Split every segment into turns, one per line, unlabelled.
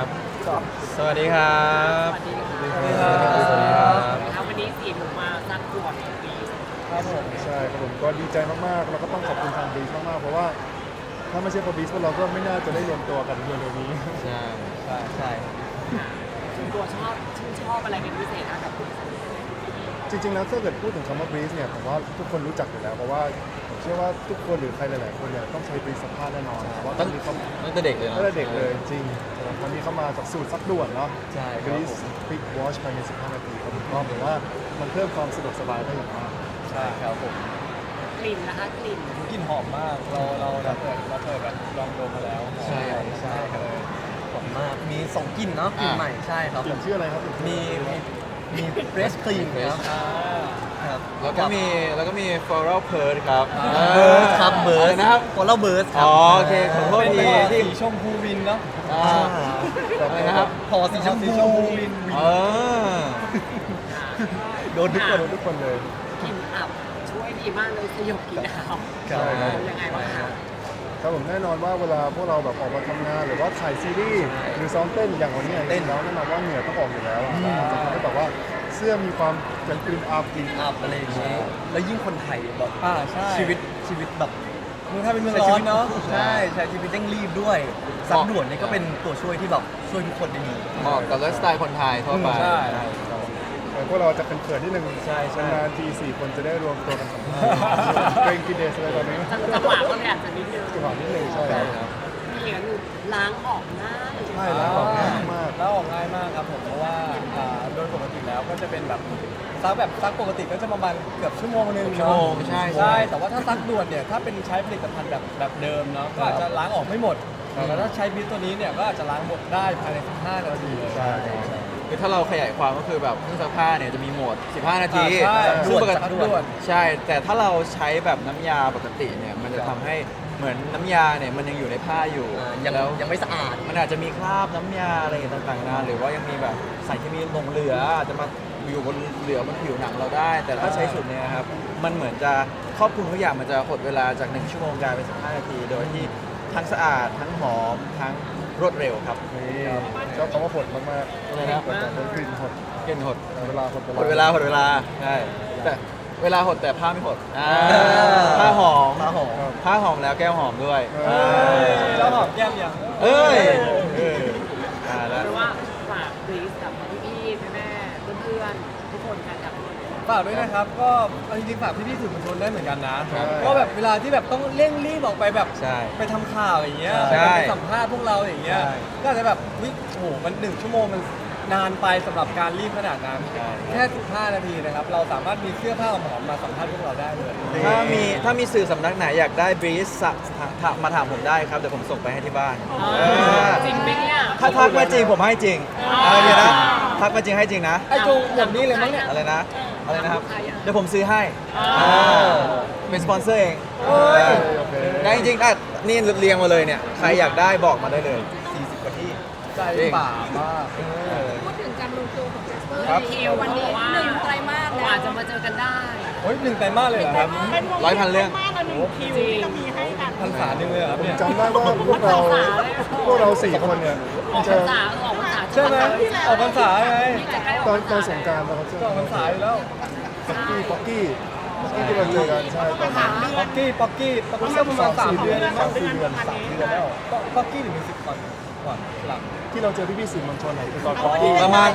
ครับสวัสดีครับ
สวัสดีครับ
สวัสดีครับ
วันนี้สีผมมาสักขวดปี
ครับผมใช่ครับผมก็ดีใจมากๆแล้วก็ต้องขอบคุณทางบีชมากๆเพราะว่าถ้าไม่ใช่เพราะบีชพวกเราก็ไม่น่าจะได้รวมตัวกันเร็วๆนี้
ใช่ใช่
ส่วนตัวชื่นชอบอะไรเป็นพิเศษนะกับคุณ
จริงๆแล้วถ้าเกิดพูดถึงคำว่าบีชเนี่ยผมว่าทุกคนรู้จักอยู่แล้วเพราะว่าผมเชื่อว่าทุกคนหรือใครหลายๆคนเนี่ยต้องใช้บีชสัมภาษณ์แน่นอนเพราะว่าตอนนี้เขา
ตั้งแต่เด็กเลยเนาะ
ตั้งแต่เด็กเลยจริงๆวันนี้เขามาจากสูตรซักด่วนเนาะ
ใช่ครับ
บีช
ผม
ปิกวอชภายใน15 นาทีครับผมก็ผมว่ามันเพิ่มความสะดวกสบายได้อย่างมาก
ใช่ครับผม
กลิ่นนะคะกลิ่น
กลิ่นหอมมาก เราเปิดแบบลองดมมาแล้ว
ใช่ใช่ครับหอมมากมี2กลิ่นเนาะกลิ่นใหม่ใช่ครับ
กลิ่นชื่ออะไรครับ
มีเฟรชครีมครับ ครับ
แล้วก็มี floral pearl ครับ
เบิร์ดครับเบิร์ด
อะไรนะครับ
ฟอลเลอร์เบิร์ดครั
อ๋อโอเคขอโทษ
เป็น
ที
สี
ที่
ชมพูวินเนาะ
อะไรนะครับ
พอสีชมพู
วิน
เออ
โดนทุกคน
ทุกคนเลย
กลิ่นอับช่วยดีมากเลยสยบกลิ่นอับ
ใช่ครับ
ยังไงบ้างคะ
ครับผมแน่นอนว่าเวลาพวกเราแบบออกมาทำงานหรือว่าถ่ายซีรีส์หรือซ้อมเต้นอย่างวันนี้เต้นแล้วแน่นอนว่าเหงื่อต้องออกอยู่แล้วอะจะทำให้แบบว่าเสื้อมีความเป็นกลิ่นอับ
กลิ่นอับอะไรอย่างนี้แล้วยิ่งคนไทยแบบ
ใช่
ชีวิตแบบ
เมืองไทยเป็นเมือง
ใช้
ร้
ชี
อ
วิ
น
ต
เนาะ
ใช่ใช้ชีวิตเร่งรีบด้วยซักด่วนนี่ก็เป็นตัวช่วยที่แบบช่วยทุกคนได้ดี
เหมาะกับไลฟ์สไตล์คนไทยทั่วไป
ใช่
พวกเราจะเขินๆนิดนึง
ใช่
นานๆที4 คนจะได้รวมตัวกันสัมภาษณ์เกรงกินเดสอะไรตอนนี้
จังหวะก็เลยอาจจะนิดนึง
จังหวะนิดนึงใช่ครับ
มีอย่างนึงล้างออกง่าย
ใช่แล้วออกง่ายมาก
แล้วออกง่ายมากครับผมเพราะว่าโดยปกติแล้วก็จะเป็นแบบซักปกติก็จะประมาณเกือบชั่วโมงนึง
ชั่วโมงใช่
ใช่แต่ว่าถ้าซักด่วนเนี่ยถ้าเป็นใช้ผลิตภัณฑ์แบบเดิมเนาะก็อาจจะล้างออกไม่หมดแต่ถ้าใช้บีทตัวนี้เนี่ยก็อาจจะล้างหมดได้ภายใน15 นาทีเลย
ใช่
คือถ้าเราขยายความก็คือแบบเครื่องซักผ้าเนี่ยจะมีโหมด 15 นาที
ใช่
ซึ่งปก
ซัก
ติ
ด่วน
ใช่ แต่ถ้าเราใช้แบบน้ำยาปกติเนี่ยมันจะทำให้เหมือนน้ำยาเนี่ยมันยังอยู่ในผ้าอยู่
ยังไม่สะอาด
มันอาจจะมีคราบน้ำยาอะไรต่างๆนานาหรือว่ายังมีแบบสารเคมีหลงเหลืออาจจะมาอยู่บนเหลือบนผิวหนังเราได้ แต่ถ้าใช้สูตรเนี้ยครับมันเหมือนจะครอบคลุมทุกอย่างมันจะหดเวลาจาก1 ชั่วโมงกลายเป็น15 นาที โดยที่ทั้งสะอาดทั้งหอมทั้งรวดเร็วครับ
นี่ชอบคำว่าหดมาก
อะไรนะ
ๆเป็นกลิ่นหด
เกินหด
เวลาหด
หดเวลาใช่แต่เวลาหดแต่ผ้าไม่หดผ้าหอม
ผ้าหอม
ผ้าหอมแล้วแก้วหอมด้วย
แล้วหอมแก้มยัง
เอ้ยแล้ว
เพราะว่าฝากบรีสกับพี่ๆแม่ๆเพื่อนๆทุกคนกันกับ
ฝากด้วยนะครับก็เอาจริงๆฝากพี่ๆสื่อมวลชนได้เหมือนกันนะ
ครับ
ก็แบบเวลาที่แบบต้องเร่งรีบออกไปแบบ
ใช่
ไปทำข่าวอย่างเงี้ย
ใช่
ไปสัมภาษณ์พวกเราอย่างเงี้ย
ใช่
ก็อาจจะแบบวิโอ้โหมัน1 ชั่วโมงมันนานไปสำหรับการรีบขนาดนั้น
ใช่
แค่15 นาทีนะครับเราสามารถมีเสื้อผ้าหอมๆมาสัมภาษณ์พวกเราได้เลย
ถ้ามีสื่อสำนักไหนอยากได้บรีสมาถามผมได้ครับเดี๋ยวผมส่งไปให้ที่บ้าน
จริงไหมเนี่ย
ถ้าทักมาจริงผมให้จริงอะไรเนี่ยนะทักมาจริงให้จริงนะ
ไอ้จงแบบนี้เลยมั้งเนี่ย
อะไรนะครับเดี๋ยวผมซื้อให้เป็นสปอนเซอร์เอง
โอ้ย
โอเค
ได้จริงๆนี่เรียงมาเลยเนี่ยใครอยากได้บอกมาได้เลย
40 กว่าที่
ใจป่ามาก
พูดถึงการลงตัวของเจสเปอร์
ครับ
คิววันนี้
1 ไตรมาส
ก
แล้ว
ว่าจะมาเจอกันได้
โอ้ย1 ไตรมาสเลยเหรอครับ
100,000 เรื่อง
คิวที่จะมีให้
พรรษาหนึ่งเลยเหรอครับเนี่ย
จำได้ว่าพวกเรา4 คนเนี่ย
ออก
จะ
ภาษาออกภาษา
ใช่ไหมออกพรรษาไง
ตอนสงกรารนะครับ
ก็ออกพรรษาอยู่แล้ว
ป๊อกกี้ที่เราเจอกันใช่ตอนนั้น
ป๊อกกี้ก็ประมาณ3 เดือน
3-4 เดือน
แล้วป๊อกกี้หรือมิวสิกก่อนหลัง
ที่เราเจอพี่ๆสื่อมวลชนไหนตอนป๊อกกี้
ประมาณ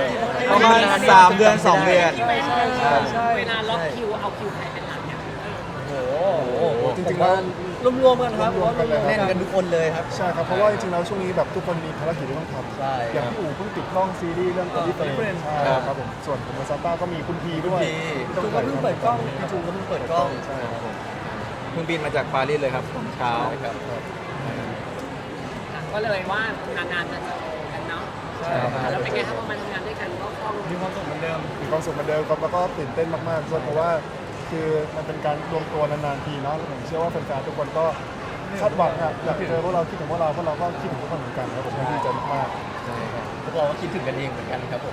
3 เดือน 2 เดือน
ใช่
เวลาล็อกคิวเอาคิวใครเป็นหลักเนี่ย
โอ้โห
จริงๆแล้ว
รวมๆกันครับ
รวมๆกันเลย
แน่นกันทุกคนเลยครับ
ใช่ครับเพราะว่าจริงๆแล้วช่วงนี้แบบทุกคนมีภารกิจที่ต้องท
ใช่
ำอย่างพี่อู๋เพิ่งติดกล้องซีรีส์เรื่องคนที่เป็นใช่ครับผมส่วนผมกับซาต้าก็มีคุณพีด้วย
จูก็เพิ่งเปิดกล้อง
พี่จูก็เพิ่งเปิดกล้อง
ใช่ครับผม
เพิ่งบินมาจากปารีสเลยครับตอนเช้า
ก็เลยว่านานๆจะเจอกันเนาะ
ใช่ครับ
แล้วเป็นไงครับพอมาทำงานด้วยกันก็คล่อง
มีความสุขเหมือนเดิม
มีความสุขเหมือนเดิมครับแล้วก็ตื่นเต้นมากๆด้วยเพราะว่าคือมันเป็นการรวมตัวนานๆทีเนาะแล้วผมเชื่อว่าแฟนๆทุกคนก็คาดหวังอะอยากเจอพวกเราคิดถึงพวกเราก็คิดถึงทุกคนเหมือนกันครับผมดีใจมาก
ใช่ครับพวกเราก็คิดถึงกันเองเหมือนกันครับผม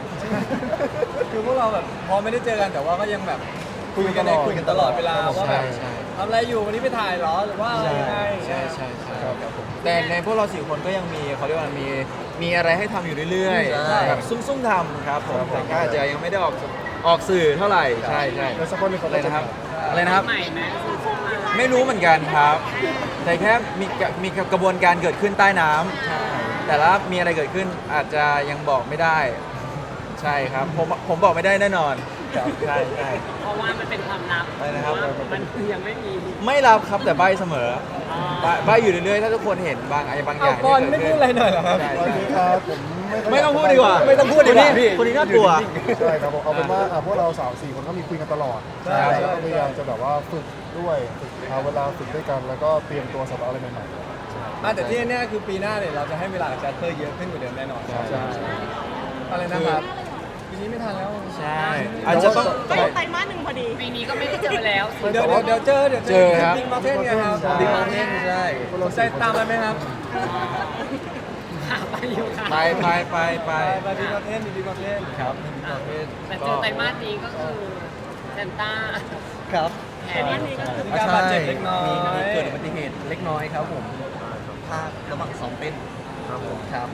คือพวกเราแบบพอไม่ได้เจอกันแต่ว่าก็ยังแบบ
ๆ
คุยกันตลอดเวลาว่าแบบ
ใช่
ทำอะไรอยู่วันนี้ไปถ่ายเหรอหรือว่าอะไรยังไง
ใช่ครับผมแต่ในพวกเรา4 คนก็ยังมีเขาเรียกว่ามีอะไรให้ทำอยู่เรื่อย
ใช่
ๆแบบซุ่มๆทำครับผมแต่ก็อาจจะยังไม่ได้ออกสื่อเท่าไหร่ใช่
แล้วสักคนหนึงเขา
อะไร
ก็จะ
นะครับอะไรนะครับ
ใหม่ไหมซื้อเข้ามา
ไม่รู้เหมือนกันครับ แต่แค่มีกระบวนการเกิดขึ้นใต้น้ำแต่ละมีอะไรเกิดขึ้นอาจจะยังบอกไม่ได้ ใช่ครับผมบอกไม่ได้แน่นอนครับใช่
เพราะว่ามันเป็นความลับ
อะไรนะครับ
เพาว่ามันยังไม่มี
ไม่รับครับแต่ใบเสมอใบอยู่เรื่อยๆถ้าทุกคนเห็นบางอย่าง
เอา
ที่
บอล
เกิ
ไม่
ด
พู
ขึ้
ด
น
อะไรหน่อยเหรอครับ
ใช่
โอเคครับผมไม่ค่ย
ไม่ต้องพูดดีกว่า
ไม่ต้องพูดดีกว่าพี่
คนนี้น่ากลัว
ใช่ครับผมเอาเป็นว่าพวกเรา3-4 คนก็มีคุยกันตลอด
ใช่
แล้วก็พยายามจะแบบว่าฝึกด้วยฝึกหาเวลาฝึกด้วยกัน แล้วก็เตรียมตัวสำหรับอะไรใหม่ๆ
แต่ที่แน่ๆคือปีหน้าเนี่ยเราจะให้เวลากับแจสเปอร์เยอะขึ้นกว่าเดิมแน่นอน
ใช่
อะไรนะครับปีนี้ไม่ทันแล้ว
ใช่อาจจะต้อง
ไตรมาส 1พอดี
ปีนี้ก็ไม่ได้เจอแล้ว
เดี๋ยวเจอ
เจอครับ
บิ๊กมาเทนไงครับ
ใช่
ดิมาเทนใช่
สนใจตามไปไหมครับ
ไปอยู่ค่ะ
ไป
ไปบิ๊กมาเทนบิ๊กมาเทน
ครับดิมาเทน
แต่เจอไตรมาสนี้ก็คือเซนต้า
ครับ
แผนนี้ก็คือ
มีการบาดเจ็บเล็กน้อย
มีเกิดอุบัติเหตุเล็กน้อยครับผมพลาดระหว่างซ้อมเต้นครับผมครับ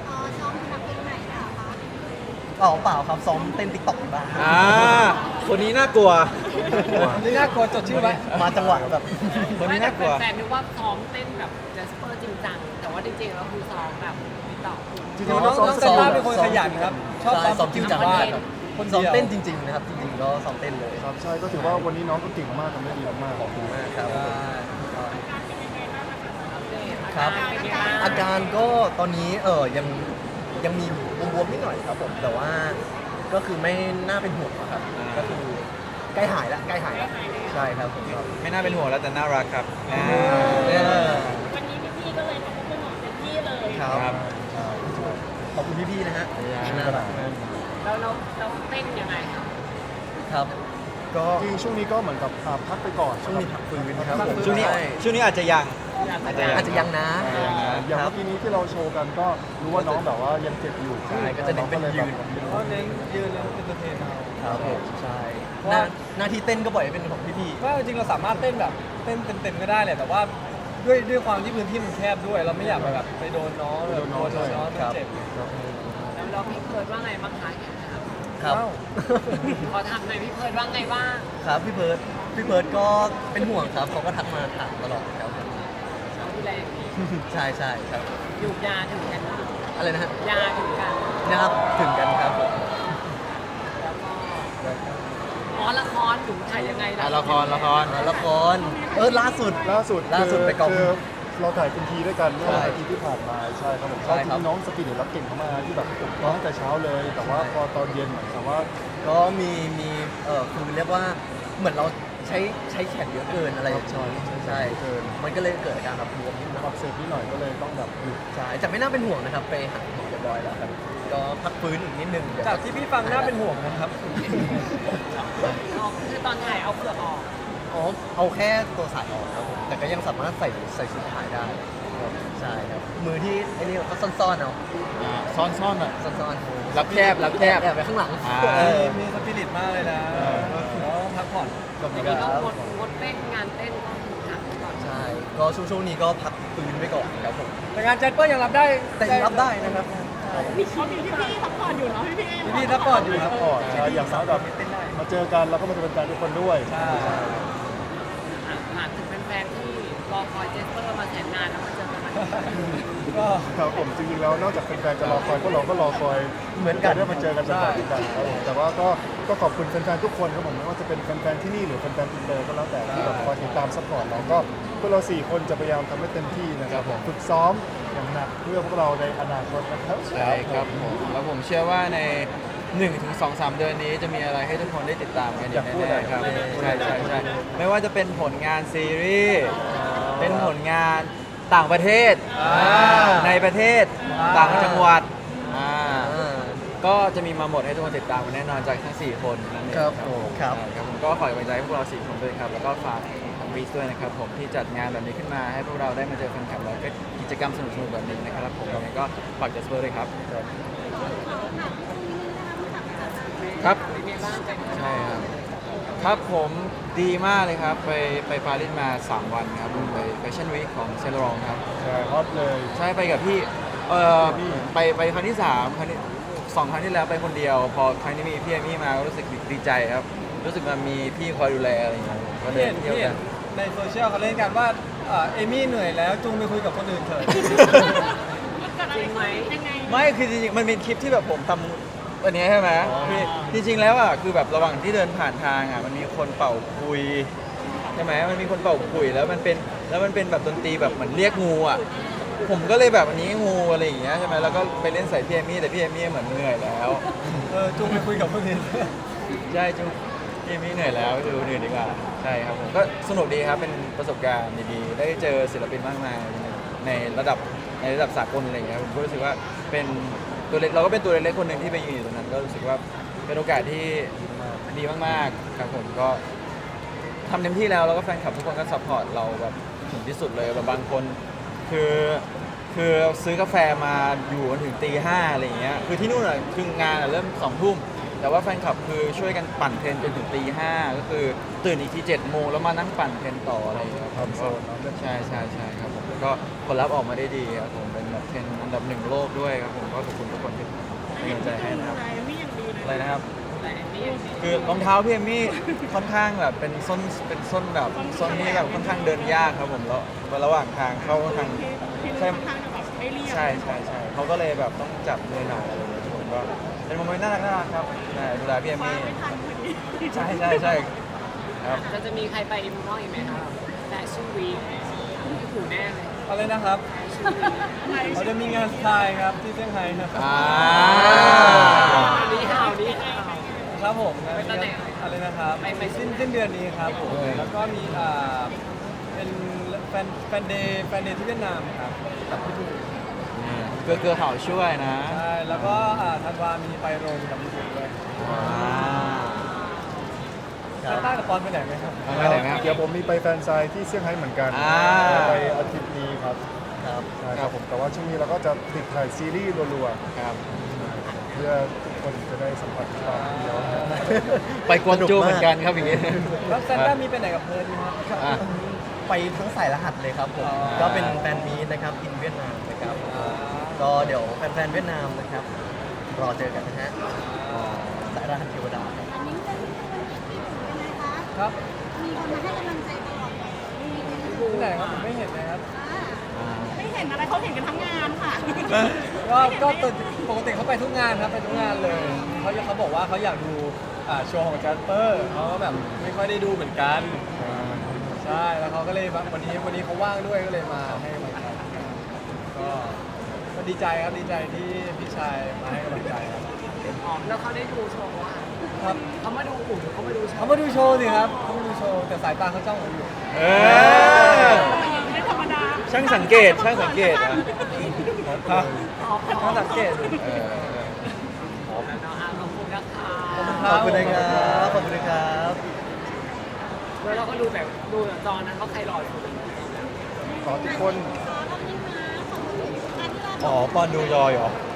อ๋อเปล่าครับซ้อมเต้นติ๊กต็อกบ้าง
คนนี้น่ากลัว
นี่น่ากลัวจดชื่อไว้
มาจังหวะแบบ
คนนี้น่ากลัว
แฟนๆนึกว่าซ้อมเต้นแบบแจสเปอร์จริงจังแต่ว่าจริงๆแล้วคือซ้อมแบบติ๊กต็อก
จริง
น้
ๆ
อง
เรา
น้อง
ซ้อม
เซนต้าเป็นคนขยันครับ ชอบ
ใช่ซ้
ซ้
อ
อ
ม
ม
จริงจัง
บ้าน
ครับ
คน
ซ้อม
เดียว
เต้นจริงๆนะครับจริงๆก็ซ้อมเต้นเลย
ครับใช่ก็ถือว่าวันนี้น้องก็เก่งมากทำได้ดีมากๆขอบคุณมาก
ครับ
ค
ค
รั
รั
บบ
อาการก็ตอนนี้ยังมีบวมๆนิดหน่อยครับผมแต่ว่าก็คือไม่น่าเป็นห่วงอะครับ ก็คือใกล้หายแล้วใช่ครับผมครับ
ไม่น่าเป็นห่วงแล้วแต่น่ารักครับ
วันนี้พี่ๆก็เลยทำให้คุณหมอเต็มที่เลย
ครับขอบคุณพี่ๆนะฮะน่ารักมาก
แล้วเราเต้นยังไงครับ
ครับ ก็
จริงๆช่วงนี้ก็เหมือนกับพักไปก่อน
ช่วงนี้พักฟื้นครับผม
ช่วงนี้
ใ
ช่วงนี้อาจจะยัง
อาจจะยังนะ
อย่าง
ครั
เมื่อกี้นี้ที่เราโชว์กันก็รู้ว่าน้องแบบว่ายังเจ็บอยู่
ใช่ก็จะเน้นเป็นยืน
เพราะเน้นยืนแล้วเป็นตัวเทนเอา
ครับผมใช่
ว่า
หน้าที่เต้นก็บ่อยเป็นของพี่
ว่าจริงๆเราสามารถเต้นแบบเต้นเต็มๆก็ได้แหละแต่ว่าด้วยความที่พื้นที่มันแคบด้วย เราไม่อยากไปแบบไปโดนน้องแบบโดนน้องมันเจ็บ
แล้วเราพี่เพิร์ดว่าไงบ้างคะ
ๆครับ
อ้าว
ขอถามหน่อยพี่เพิร์ดว่าไงบ้าง
ครับพี่เพิร์ดก็เป็นห่วงครับเขาก็ทักมาถามตลอดครับผม
เขาดูแลอย่างดี
ใช่ครับ
อยู่ยาถึงกันนะ
อะไรนะฮะ
ยาถึงกัน
นะครับถึงกันครับผม
แล้วก็อ๋อละครถึงถ่ายยังไง
ละคร
ละครล่าสุด
ล่าสุด
ไปกอง
คือเราถ่ายคุณทีด้วยกันเมื่อ
ใช่
วันอาทิตย์ที่ผ่านมาใช่ครับผม
ใช่
ก็
ครับ
ที่น้องสปีดรับเก่งมากที่แบบร้องตั้งแต่เช้าเลย แต่ว่าพอตอนเย็นเหมือนกับว่า
ก็มีคือเรียกว่าเหมือนเราใช้แขนเยอะเกินอะไรอย่างเงี้ยใช่มันก็เลยเกิดอาการแบบบวมนิดหน่อย
อักเสบนิดหน่อยก็เลยต้องแบบหยุด
ใช่จากไม่น่าเป็นห่วงนะครับไปหาหมอเรียบร้อยแล้วครับก็พักฟื้นอีกนิดนึงเดี๋ยว
จากที่พี่ฟังน่าเป็นห่วงนะครับ
คือตอนถ่ายเอาเปลือกออก
อ๋อเอาแค่ตัวสายออกครับผมแต่ก็ยังสามารถใส่ชุดถ่ายได้ใช่ครับมือที่ไอ้นี่ก็ซ่อนๆเอา
ซ่อนๆอ่ะ
ซ่อนๆ
รับแคบ
แอบไปข้างหลัง
มีสปิริตมากเลยนะแล้วพักผ่อน
ขอบคุ
ที
ณ
นี้
ค
ก็
รับ
งดเต้นงานเต้นก็คือหักไปก่อน
ใช่ก็ช่วงนี้ก็พักฟื้นไว้ก่อนครับผม
แต่งานแจ็คเปอร์ยังรับได้
แต่ยังรับได้นะครับ
มีเขามีพี่ๆซัพพอร์ตอยู่เนาะพี่ๆ
พี่ซัพพอร์ตอยู่ครับ
ก่อนใช่อย่างน้อยแบบมาเจอกันแล้วก็มาเป็นแฟนทุกคนด้วย
ใช่
ฝากถึงแฟนๆที่รอคอยเจสเปอร์มาแสนนานแล้วมาเจอกันไหม
ก็
ครับผมจริงๆแล้วนอกจากแฟนๆจะรอคอยพวกเราก็รอคอย
เหมือนกัน
ได้มาเจอกันเป็นแบบกันครับผมแต่ว่าก็ขอบคุณแฟนๆทุกคนครับผมไม่ว่าจะเป็นแฟนๆที่นี่หรือแฟนๆอินเตอร์ก็แล้วแต่ที่แบบคอยติดตามซัพพอร์ตเราก็พวกเรา4คนจะพยายามทำให้เต็มที่นะครับผมฝึกซ้อมอย่างหนักเพื่อพวกเราในอนาคตนะครับ
ใช่ครับผมแล้วผมเชื่อว่าใน 1-2-3 เดือนนี้จะมีอะไรให้ทุกคนได้ติดตามกันอย่างแน่ๆครับใช่ไม่ว่าจะเป็นผลงานซีรีส์เป็นผลงานต่างประเทศในประเทศต่างจังหวัดก็จะมีมาหมดให้ทุกคนติดตามกันแน่นอนจากทั้ง 4 คนนั่นเอง
ครับผมครับ
ใช่ครับผมก็ขอกำลังใจให้พวกเรา 4 คนด้วยครับแล้วก็ฝากวีสด้วยนะครับผมที่จัดงานแบบนี้ขึ้นมาให้พวกเราได้มาเจอแฟนคลับแล้วก็กิจกรรมสนุกๆแบบนี้นะครับผมยังไงก็ฝากจัสเปอร์ด้วยครับครับ
เป็นไงบ้างใจ
ใช่ครับครับผมดีมากเลยครับ ไปปารีสมา 3 วันครับผมไปแฟชั่นวีคของเซนต์ลอรองครับ
ใช่ฮอตเลย
ใช่ไปกับพี่ไปครั้งที่3ครั้งที่2ครั้งที่แล้วไปคนเดียว พอครั้งนี้มีพี่เอมี่มาก็รู้สึกดีใจครับ รู้สึกมันมีพี่คอยดูแลอะไรอย่างเงี้ยก็เดิ
เห็
น
น
เที่ยว
เห็
กัน น
ในโซเชียลเขาเล่นกันว่าเอมี่เหนื่อยแล้วจุงไปคุยกับคนอื่นเถอะ
จริงไหม
ยังไง
ไม่คือจริงๆมันเป็นคลิปที่แบบผมทำอันเนี้ยใช่ไหมคือจริงๆแล้วอ่ะคือแบบระหว่างที่เดินผ่านทางอ่ะมันมีคนเป่าคุยใช่ไหมมันมีคนเป่าคุยแล้วมันเป็นแบบดนตรีแบบเหมือนเรียกงูอ่ะผมก็เลยแบบอันนี้งูอะไรอย่างเงี้ยใช่ไหมแล้วก็ไปเล่นใส่พี่เอมี่แต่พี่เอมี่เหมือนเหนื่อยแล้ว
จุงไปคุยกับคนอื่น
ใช่จุ๊บพี่เอมี่เหนื่อยแล้วดูเหนื่อยดีกว่าใช่ครับผมก็สนุกดีครับเป็นประสบการณ์ดีๆได้เจอศิลปินมากมายในระดับสากลอะไรอย่างเงี้ยผมก็รู้สึกว่าเป็นตัวเล็กเราก็เป็นตัวเล็กๆคนหนึ่งที่ไปยืนอยู่ตรงนั้นก็รู้สึกว่าเป็นโอกาสที่ดีมากๆครับผมก็ทำเต็มที่แล้วก็แฟนคลับทุกคนก็ซัพพอร์ตเราแบบถึงที่สุดเลยแบบบางคนคือซื้อกาแฟมาอยู่จนถึงตี 5อะไรอย่างเงี้ยคือที่นู่นอ่ะคืองานอ่ะเริ่ม2 ทุ่มแต่ว่าแฟนคลับคือช่วยกันปั่นเทรนจนถึงตี 5ก็คือตื่นอีกที7 โมงแล้วมานั่งปั่นเทรนต่ออะไรอย่างเงี้ยครับก็ใช่ครับผมแล้วก็ผลลัพธ์ออกมาได้ดีครับผมเป็นแบบเทรนอันดับ1 โลกด้วยครับผมก็ขอบคุณทุกคนที่เป็นกำลังใจให้นะครับ
ไม่อย่างดีเลย
อะไรนะครับ
อะไรนี่
คือรองเท้าพี่เอมมี่ค่อนข้างแบบเป็นส้นแบบส้นที่แบบค่อนข้างเดินยากครับผมแล้วระหว่างทางเข้าทาง
ที่
ใช่
ค่อนข้างจะแบบไม่เรียบ
ใช่เขาก็เลยแบบต้องจับมือหน่อยอะไรอย่างเงี้ยผมก็เป็นโมเมนต์น่ารักครับใช่ดูแลพี่เอม
คว้า
มี่
ไม่ทันพอดี
ใช่ครับ
เราจะมีใครไปเมืองนอกอีกไหมครับแฟชั่นวีคที่หูแน่เลย
อะไรนะครับเราจะมีงานสไตล์ครับที่เซี่ยงไฮ้ครับ
นี่ข่าวนี้ข่าว
ครับผมงาน
ไปตอนไหน
อะไรนะครับ
ไป
สิ้นเดือนนี้ครับผมแล้วก็มีเป็นแฟนเดย์ที่เวียดนามครับกับพี่บู
เกลือเขาช่วยนะ
ใช่แล้วก็ธันวามีไปโรมกับพี่บูด้วยซานต้ากับปอนไปไหนไหมครับ
ไปไหนไหมครับ
เดี๋ยวผมมีไปแฟนไซน์ที่เซี่ยงไฮ้เหมือนกัน ไปอาทิตย์นี้ครับ
ครับ
ใช่ครับผมแต่ว่าช่วงนี้เราก็จะติดถ่ายซีรีส์รัว
ครับ
ๆเพื่อทุกคนจะได้สัมผัสความเดียว
ไปกวนจูเหมือนกันครับอย่างงี้
แล้วซานต้ามีไปไหนกับเพิร์ดไหมครับ
อ่ะ
ไปทั้งสายรหัสเลยครับผม
อ๋อ
ก็เป็นแฟนมีตนะครับอินเวียดนามนะครับก็เดี๋ยวแฟนๆเวียดนามนะครับรอเจอกันนะฮะสายรหัสเทวดาครับ
อันนี้เป็นที่เป็นไงคะ
ครับ
มีคนมาให้กำลังใจตลอดเลย
ที่ไหนครับผมไม่เห็นนะครับ
ไม่เห็นอะไรเขาเห็นกันทั้งงานค่ะ
ก็ปกติเขาไปทุกงานครับไปทุกงานเลยเขาบอกว่าเขาอยากดูโชว์ของแจสเปอร์เขาก็แบบไม่ค่อยได้ดูเหมือนกันใช่แล้วเขาก็เลยแบบวันนี้เขาว่างด้วยก็เลยมาให้กำลังใจก็ดีใจครับดีใจที่พี่ชายมาให้กำลังใจครับ
อ๋อแล้วเขาได้ดูโชว์อ่ะ
ครับ
เขามาดูอุ่นเขามาดูโช
เขา
ว์
มาดูโชว์สิครับเขามาดูโชว์แต่สายตาเขาจ้องผมอยู่
เออ
ไม่ธรรมดา
ช่างสังเกตอ่ะ
เขาสังเกตดู
เออ
ขอบคุณนะคะ
ขอบคุณนะครับขอบคุณนะครับ
แล้วเราก็ดูแบบจอนั้นเขาใครหล่อสุด
ขอทุกคน
อ๋อปอนดูจอยเหรอ